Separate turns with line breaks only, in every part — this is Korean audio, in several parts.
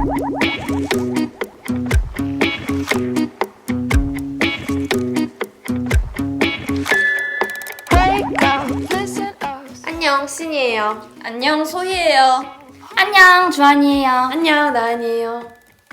안녕, 신이에요.
안녕, 소희예요.
안녕, 주한이에요.
안녕, 나은이에요.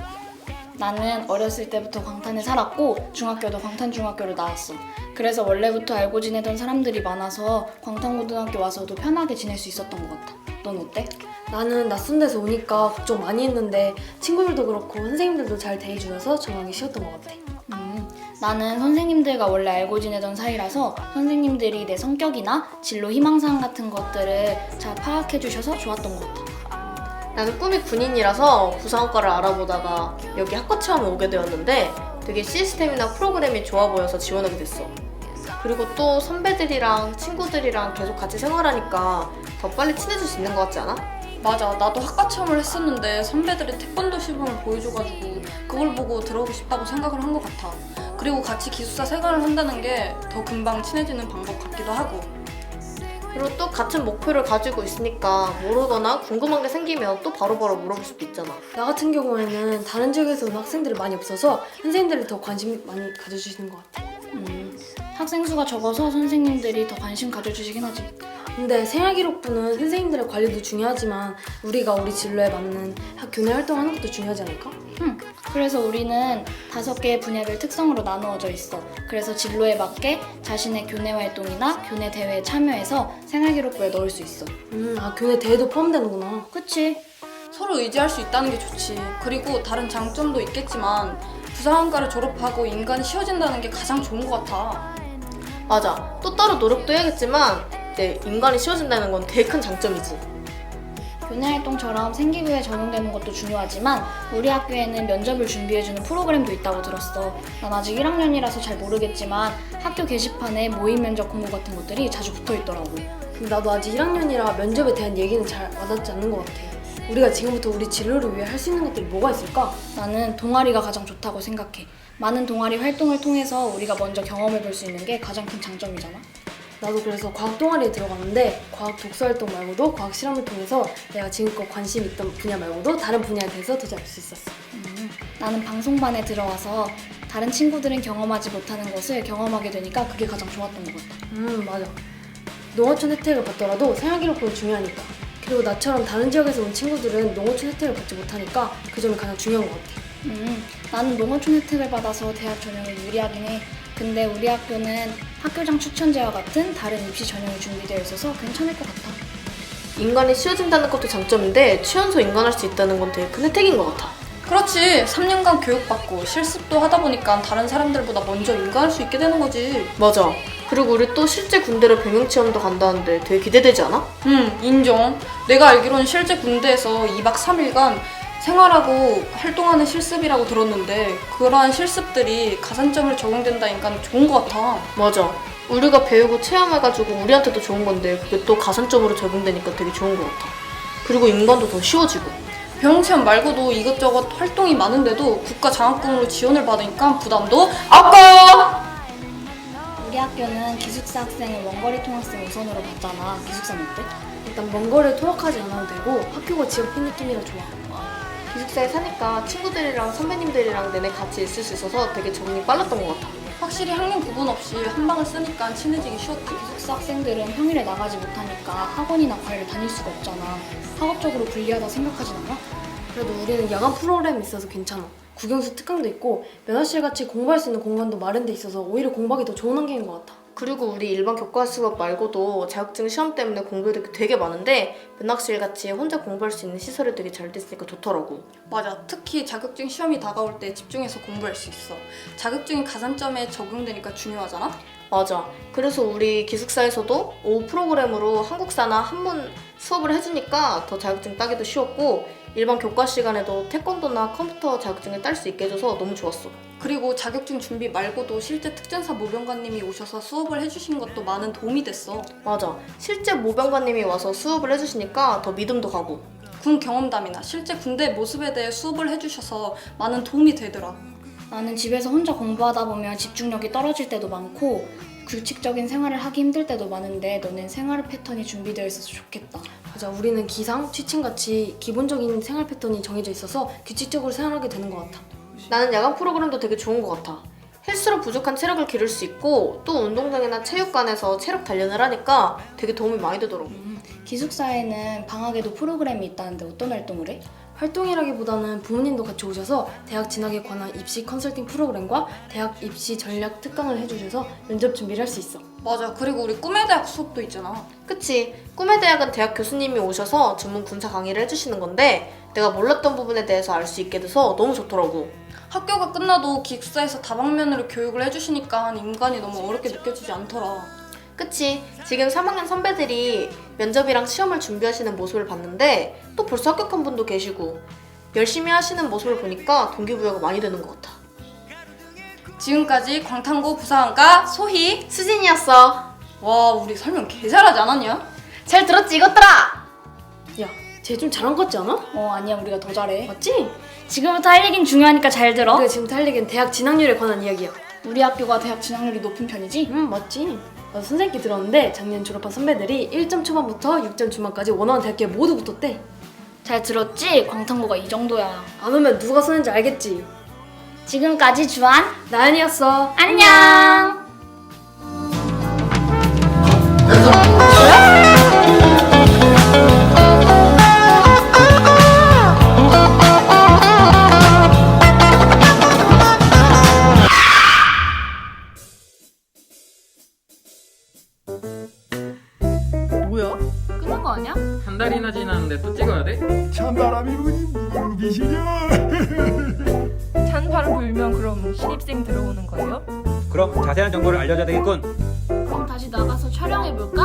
나는 어렸을 때부터 광탄에 살았고 중학교도 광탄중학교로 나왔어. 그래서 원래부터 알고 지내던 사람들이 많아서 광탄고등학교 와서도 편하게 지낼 수 있었던 것 같아. 넌 어때?
나는 낯선 데서 오니까 걱정 많이 했는데 친구들도 그렇고 선생님들도 잘 대해주셔서 적응하기 쉬웠던 것 같아.
나는 선생님들과 원래 알고 지내던 사이라서 선생님들이 내 성격이나 진로 희망사항 같은 것들을 잘 파악해 주셔서 좋았던 것 같아.
나는 꿈이 군인이라서 부사관과를 알아보다가 여기 학과 체험에 오게 되었는데 되게 시스템이나 프로그램이 좋아 보여서 지원하게 됐어. 그리고 또 선배들이랑 친구들이랑 계속 같이 생활하니까 더 빨리 친해질 수 있는 것 같지 않아?
맞아, 나도 학과 체험을 했었는데 선배들이 태권도 시범을 보여줘가지고 그걸 보고 들어오고 싶다고 생각을 한 것 같아. 그리고 같이 기숙사 생활을 한다는 게 더 금방 친해지는 방법 같기도 하고.
그리고 또 같은 목표를 가지고 있으니까 모르거나 궁금한 게 생기면 또 바로바로 물어볼 수도 있잖아.
나 같은 경우에는 다른 지역에서 온 학생들이 많이 없어서 선생님들이 더 관심 많이 가져주시는 것 같아.
학생 수가 적어서 선생님들이 더 관심 가져주시긴 하지.
근데 생활기록부는 선생님들의 관리도 중요하지만 우리가 우리 진로에 맞는 교내 활동하는 것도 중요하지 않을까?
그래서 우리는 5개의 분야별 특성으로 나누어져 있어. 그래서 진로에 맞게 자신의 교내 활동이나 교내 대회에 참여해서 생활기록부에 넣을 수 있어.
교내 대회도 포함되는구나.
그치?
서로 의지할 수 있다는 게 좋지. 그리고 다른 장점도 있겠지만 부사관과를 졸업하고 인간이 쉬워진다는 게 가장 좋은 것 같아.
맞아. 또 따로 노력도 해야겠지만 이제 인간이 쉬워진다는 건 되게 큰 장점이지.
교내 활동처럼 생기부에 적용되는 것도 중요하지만 우리 학교에는 면접을 준비해주는 프로그램도 있다고 들었어. 난 아직 1학년이라서 잘 모르겠지만 학교 게시판에 모의 면접 공고 같은 것들이 자주 붙어있더라고.
근데 나도 아직 1학년이라 면접에 대한 얘기는 잘 와닿지 않는 것 같아. 우리가 지금부터 우리 진로를 위해 할 수 있는 것들이 뭐가 있을까?
나는 동아리가 가장 좋다고 생각해. 많은 동아리 활동을 통해서 우리가 먼저 경험해볼 수 있는 게 가장 큰 장점이잖아.
나도 그래서 과학 동아리에 들어갔는데 과학 독서 활동 말고도 과학 실험을 통해서 내가 지금껏 관심 있던 분야 말고도 다른 분야에 대해서 더 잘 알 수 있었어.
나는 방송반에 들어와서 다른 친구들은 경험하지 못하는 것을 경험하게 되니까 그게 가장 좋았던 것 같아.
맞아. 농어촌 혜택을 받더라도 생활기록부는 중요하니까. 그리고 나처럼 다른 지역에서 온 친구들은 농어촌 혜택을 받지 못하니까 그 점이 가장 중요한 것 같아.
나는 농어촌 혜택을 받아서 대학 전형을 유리하긴 해. 근데 우리 학교는 학교장 추천제와 같은 다른 입시 전형이 준비되어 있어서 괜찮을 것 같아.
인간이 쉬워진다는 것도 장점인데 취연소 인간할 수 있다는 건 되게 큰 혜택인 것 같아.
그렇지. 3년간 교육받고 실습도 하다 보니까 다른 사람들보다 먼저 인가할 수 있게 되는 거지.
맞아. 그리고 우리 또 실제 군대로 병영체험도 간다는데 되게 기대되지 않아?
인정. 내가 알기로는 실제 군대에서 2박 3일간 생활하고 활동하는 실습이라고 들었는데 그러한 실습들이 가산점을 적용된다니까 좋은 것 같아.
맞아. 우리가 배우고 체험해가지고 우리한테도 좋은 건데 그게 또 가산점으로 적용되니까 되게 좋은 것 같아. 그리고 인간도 더 쉬워지고.
병영체험 말고도 이것저것 활동이 많은데도 국가 장학금으로 지원을 받으니까 부담도 없고.
우리 학교는 기숙사 학생을 원거리 통학생 우선으로 받잖아. 기숙사는 어때?
일단 먼 거리를 통학하지 않아도 되고 학교가 집 앞인 느낌이라 좋아.
기숙사에 사니까 친구들이랑 선배님들이랑 내내 같이 있을 수 있어서 되게 적응이 빨랐던 것 같아.
확실히 학년 구분 없이 한 방을 쓰니까 친해지기 쉬웠지.
기숙사 학생들은 평일에 나가지 못하니까 학원이나 과외를 다닐 수가 없잖아. 학업적으로 불리하다 생각하진 않아?
그래도 우리는 야간 프로그램이 있어서 괜찮아. 국영수 특강도 있고 면허실 같이 공부할 수 있는 공간도 마련돼 있어서 오히려 공부하기 더 좋은 환경인 것 같아.
그리고 우리 일반 교과 수업 말고도 자격증 시험 때문에 공부해야 될 게 되게 많은데 면학실 같이 혼자 공부할 수 있는 시설이 되게 잘 됐으니까 좋더라고.
맞아. 특히 자격증 시험이 다가올 때 집중해서 공부할 수 있어. 자격증이 가산점에 적용되니까 중요하잖아?
맞아. 그래서 우리 기숙사에서도 오후 프로그램으로 한국사나 한문 수업을 해주니까 더 자격증 따기도 쉬웠고 일반 교과 시간에도 태권도나 컴퓨터 자격증을 딸 수 있게 해줘서 너무 좋았어.
그리고 자격증 준비 말고도 실제 특전사 모병관님이 오셔서 수업을 해주신 것도 많은 도움이 됐어.
맞아. 실제 모병관님이 와서 수업을 해주시니까 더 믿음도 가고.
군 경험담이나 실제 군대 모습에 대해 수업을 해주셔서 많은 도움이 되더라.
나는 집에서 혼자 공부하다 보면 집중력이 떨어질 때도 많고 규칙적인 생활을 하기 힘들 때도 많은데 너는 생활 패턴이 준비되어 있어서 좋겠다.
맞아, 우리는 기상, 취침같이 기본적인 생활 패턴이 정해져 있어서 규칙적으로 생활하게 되는 것 같아.
나는 야간 프로그램도 되게 좋은 것 같아. 헬스로 부족한 체력을 기를 수 있고 또 운동장이나 체육관에서 체력 단련을 하니까 되게 도움이 많이 되더라고.
기숙사에는 방학에도 프로그램이 있다는데 어떤 활동을 해?
활동이라기보다는 부모님도 같이 오셔서 대학 진학에 관한 입시 컨설팅 프로그램과 대학 입시 전략 특강을 해주셔서 면접 준비를 할 수 있어.
맞아. 그리고 우리 꿈의 대학 수업도 있잖아.
그치. 꿈의 대학은 대학 교수님이 오셔서 전문 군사 강의를 해주시는 건데 내가 몰랐던 부분에 대해서 알 수 있게 돼서 너무 좋더라고.
학교가 끝나도 기숙사에서 다방면으로 교육을 해주시니까 인간이 너무 어렵게 느껴지지 않더라.
그치. 지금 3학년 선배들이 면접이랑 시험을 준비하시는 모습을 봤는데 또 벌써 합격한 분도 계시고 열심히 하시는 모습을 보니까 동기부여가 많이 되는 것 같아.
지금까지 광탄고 부사관과 소희.
수진이었어.
와, 우리 설명 개 잘하지 않았냐?
잘 들었지 이것들아?
야, 쟤 좀 잘한 것 같지 않아?
아니야, 우리가 더 잘해.
맞지?
지금부터 할 얘기는 중요하니까 잘 들어.
우리가 지금 할 얘기는 대학 진학률에 관한 이야기야.
우리 학교가 대학 진학률이 높은 편이지?
맞지? 나도 선생님께 들었는데 작년 졸업한 선배들이 1점 초반부터 6점 중반까지 원하는 대학교에 모두 붙었대.
잘 들었지? 광탄고가 이 정도야.
안 오면 누가 쏘는지 알겠지?
지금까지 주한
나연이었어.
안녕.
뭐야?
끝난 거 아니야?
한 달이나 지났는데 또 찍어야 돼?
찬바람이 부니 무비시냐?
찬바람 불면 그럼 신입생 들어오는 거예요?
그럼 자세한 정보를 알려줘야 되겠군.
그럼 다시 나가서 촬영해볼까?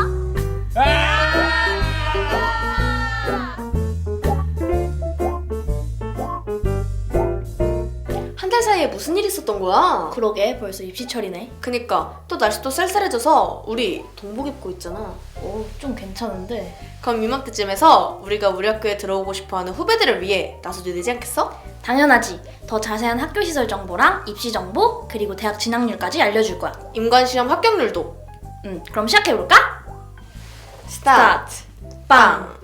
한 달 사이에 무슨 일 있었던 거야?
그러게, 벌써 입시철이네.
그니까 또 날씨도 쌀쌀해져서 우리 동복 입고 있잖아.
좀 괜찮은데.
그럼 이맘때쯤에서 우리가 우리 학교에 들어오고 싶어하는 후배들을 위해 나서도 되지 않겠어?
당연하지. 더 자세한 학교 시설 정보랑 입시 정보, 그리고 대학 진학률까지 알려줄 거야.
임관시험 합격률도.
그럼 시작해볼까?
스타트. 빵.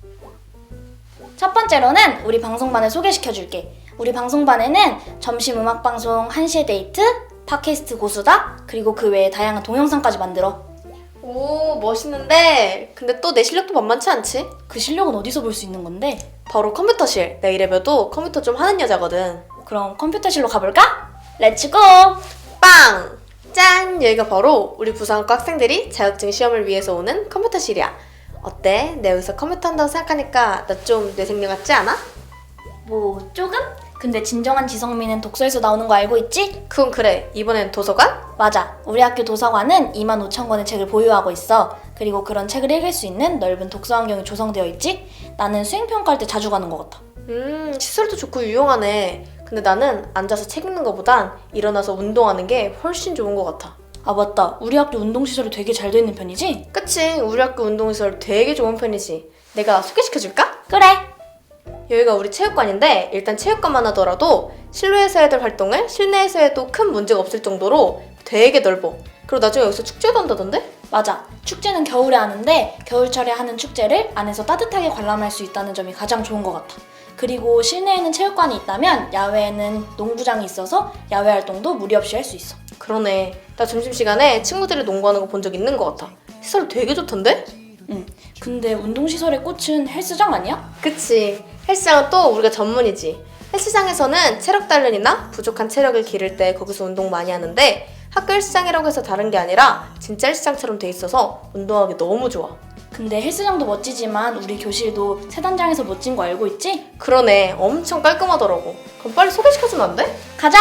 첫 번째로는 우리 방송반을 소개시켜줄게. 우리 방송반에는 점심 음악방송 1시에 데이트, 팟캐스트 고수다, 그리고 그 외에 다양한 동영상까지 만들어.
오, 멋있는데 근데 또 내 실력도 만만치 않지?
그 실력은 어디서 볼 수 있는 건데?
바로 컴퓨터실. 내 이래봬도 컴퓨터 좀 하는 여자거든.
그럼 컴퓨터실로 가볼까? 렛츠고!
빵! 짠! 여기가 바로 우리 부산과 학생들이 자격증 시험을 위해서 오는 컴퓨터실이야. 어때? 내가 여기서 컴퓨터 한다고 생각하니까 나 좀 뇌생녀 같지 않아?
뭐 조금? 근데 진정한 지성미는 독서에서 나오는 거 알고 있지?
그건 그래. 이번엔 도서관?
맞아. 우리 학교 도서관은 25,000권의 책을 보유하고 있어. 그리고 그런 책을 읽을 수 있는 넓은 독서 환경이 조성되어 있지? 나는 수행평가할 때 자주 가는 것 같아.
시설도 좋고 유용하네. 근데 나는 앉아서 책 읽는 것보단 일어나서 운동하는 게 훨씬 좋은 것 같아.
아 맞다. 우리 학교 운동시설이 되게 잘 돼 있는 편이지?
그치? 우리 학교 운동시설 되게 좋은 편이지. 내가 소개시켜줄까?
그래!
여기가 우리 체육관인데 일단 체육관만 하더라도 실내에서 해야 될 활동을 실내에서 해도 큰 문제가 없을 정도로 되게 넓어. 그리고 나중에 여기서 축제도 한다던데?
맞아. 축제는 겨울에 하는데 겨울철에 하는 축제를 안에서 따뜻하게 관람할 수 있다는 점이 가장 좋은 것 같아. 그리고 실내에는 체육관이 있다면 야외에는 농구장이 있어서 야외 활동도 무리 없이 할 수 있어.
그러네. 나 점심시간에 친구들이 농구하는 거 본 적 있는 것 같아. 시설 되게 좋던데?
근데 운동시설의 꽃은 헬스장 아니야?
그치. 헬스장은 또 우리가 전문이지. 헬스장에서는 체력 단련이나 부족한 체력을 기를 때 거기서 운동 많이 하는데 학교 헬스장이라고 해서 다른 게 아니라 진짜 헬스장처럼 돼 있어서 운동하기 너무 좋아.
근데 헬스장도 멋지지만 우리 교실도 세단장에서 멋진 거 알고 있지?
그러네. 엄청 깔끔하더라고. 그럼 빨리 소개시켜주면 안 돼?
가자!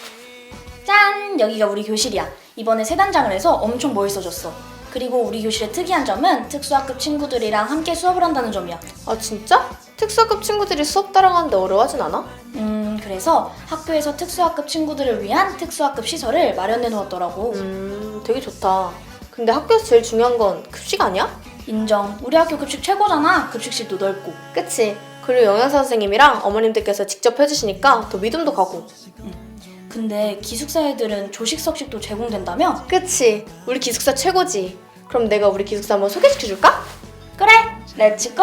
짠! 여기가 우리 교실이야. 이번에 세단장을 해서 엄청 멋있어졌어. 그리고 우리 교실의 특이한 점은 특수학급 친구들이랑 함께 수업을 한다는 점이야.
아 진짜? 특수학급 친구들이 수업 따라가는데 어려워하진 않아?
그래서 학교에서 특수학급 친구들을 위한 특수학급 시설을 마련해 놓았더라고.
되게 좋다. 근데 학교에서 제일 중요한 건 급식 아니야?
인정. 우리 학교 급식 최고잖아. 급식실도 넓고.
그치? 그리고 영양사 선생님이랑 어머님들께서 직접 해주시니까 더 믿음도 가고.
근데 기숙사 애들은 조식석식도 제공된다며?
그치? 우리 기숙사 최고지. 그럼 내가 우리 기숙사 한번 소개시켜줄까?
그래! 렛츠고!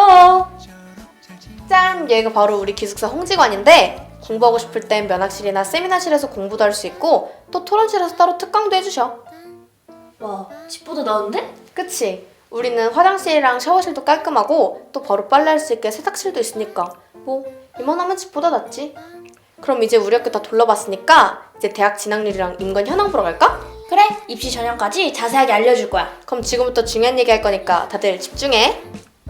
짠! 여기가 바로 우리 기숙사 홍지관인데 공부하고 싶을 땐 면학실이나 세미나실에서 공부도 할 수 있고 또 토론실에서 따로 특강도 해주셔.
와, 집보다 나은데?
그치? 우리는 화장실이랑 샤워실도 깔끔하고 또 바로 빨래할 수 있게 세탁실도 있으니까 뭐 이만하면 집보다 낫지. 그럼 이제 우리 학교 다 둘러봤으니까 이제 대학 진학률이랑 인권 현황 보러 갈까?
그래, 입시 전형까지 자세하게 알려줄 거야.
그럼 지금부터 중요한 얘기 할 거니까 다들 집중해.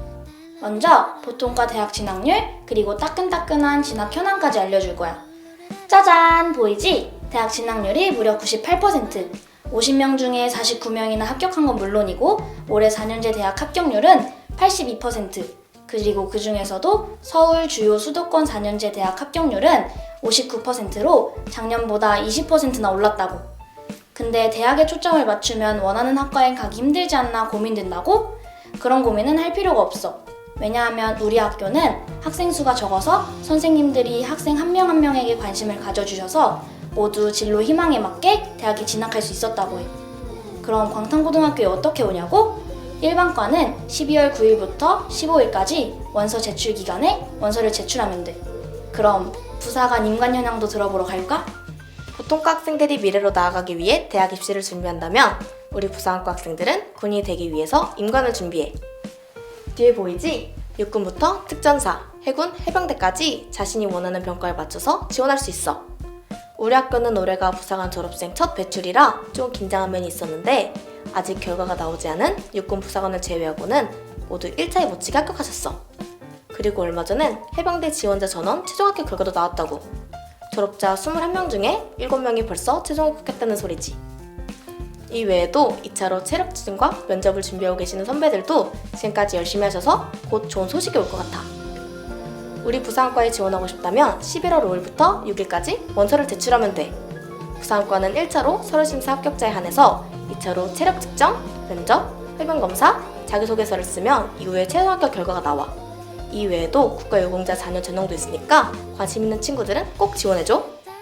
먼저 보통과 대학 진학률, 그리고 따끈따끈한 진학 현황까지 알려줄 거야. 짜잔, 보이지? 대학 진학률이 무려 98%. 50명 중에 49명이나 합격한 건 물론이고 올해 4년제 대학 합격률은 82%. 그리고 그 중에서도 서울 주요 수도권 4년제 대학 합격률은 59%로 작년보다 20%나 올랐다고. 근데 대학에 초점을 맞추면 원하는 학과에 가기 힘들지 않나 고민된다고? 그런 고민은 할 필요가 없어. 왜냐하면 우리 학교는 학생 수가 적어서 선생님들이 학생 한 명 한 명에게 관심을 가져주셔서 모두 진로 희망에 맞게 대학에 진학할 수 있었다고 해. 그럼 광탄고등학교에 어떻게 오냐고? 일반과는 12월 9일부터 15일까지 원서 제출 기간에 원서를 제출하면 돼. 그럼 부사관 임관 현황도 들어보러 갈까?
보통과 학생들이 미래로 나아가기 위해 대학 입시를 준비한다면 우리 부사관과 학생들은 군인이 되기 위해서 임관을 준비해. 뒤에 보이지? 육군부터 특전사, 해군, 해병대까지 자신이 원하는 병과에 맞춰서 지원할 수 있어. 우리 학교는 올해가 부사관 졸업생 첫 배출이라 좀 긴장한 면이 있었는데 아직 결과가 나오지 않은 육군 부사관을 제외하고는 모두 1차에 못지게 합격하셨어. 그리고 얼마 전엔 해병대 지원자 전원 최종 합격 결과도 나왔다고. 졸업자 21명 중에 7명이 벌써 최종 합격했다는 소리지. 이 외에도 2차로 체력 추진과 면접을 준비하고 계시는 선배들도 지금까지 열심히 하셔서 곧 좋은 소식이 올 것 같아. 우리 부사관과에 지원하고 싶다면 11월 5일부터 6일까지 원서를 제출하면 돼. 부사관과는 1차로 서류 심사 합격자에 한해서 2차로 체력 측정, 면접, 해병 검사, 자기소개서를 쓰면 이후에 최종 합격 결과가 나와. 이 외에도 국가유공자 자녀 전형도 있으니까 관심 있는 친구들은 꼭 지원해줘.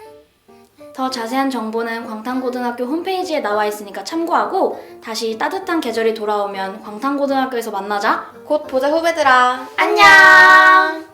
더 자세한 정보는 광탄고등학교 홈페이지에 나와 있으니까 참고하고 다시 따뜻한 계절이 돌아오면 광탄고등학교에서 만나자.
곧 보자 후배들아.
안녕!